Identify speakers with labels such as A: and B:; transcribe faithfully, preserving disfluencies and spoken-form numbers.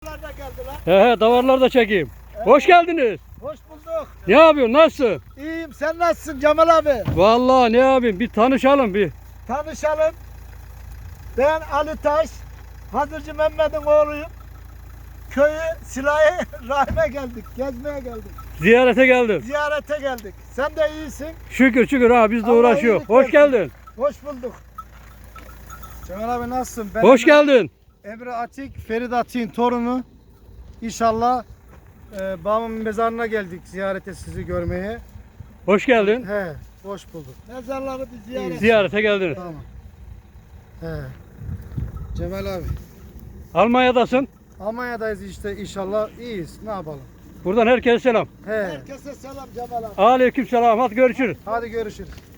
A: davarlar da geldi lan.
B: He he davarlar da çekeyim.
A: Evet.
B: Hoş geldiniz.
A: Hoş bulduk.
B: Ne yapıyorsun? Nasılsın?
A: İyiyim, sen nasılsın Cemal abi?
B: Vallahi ne yapayım? Bir tanışalım bir.
A: Tanışalım. Ben Ali Taş, Hazırcı Mehmet'in oğluyum. Köyü Silah-ı Rahim'e geldik, gezmeye geldik.
B: Ziyarete geldim.
A: Ziyarete geldik. Sen de iyisin.
B: Şükür şükür ha biz de
A: Allah
B: uğraşıyor.
A: iyilik
B: Hoş
A: versin.
B: geldin.
A: Hoş bulduk.
C: Cemal abi nasılsın? Ben
B: Hoş
C: Emre-
B: geldin.
C: Emre Atik, Ferit Atik'in torunu. İnşallah e, babamın mezarına geldik ziyarete sizi görmeye.
B: Hoş geldin.
C: He, hoş bulduk.
A: Mezarları bir ziyaret.
B: Ziyarete geldiniz.
C: Tamam. He. Cemal abi.
B: Almanya'dasın.
C: Almanya'dayız işte inşallah iyiyiz. Ne yapalım?
B: Buradan herkese selam.
C: He.
A: Herkese selam Cemal abi.
B: Aleyküm selam. Hadi görüşürüz.
C: Hadi görüşürüz.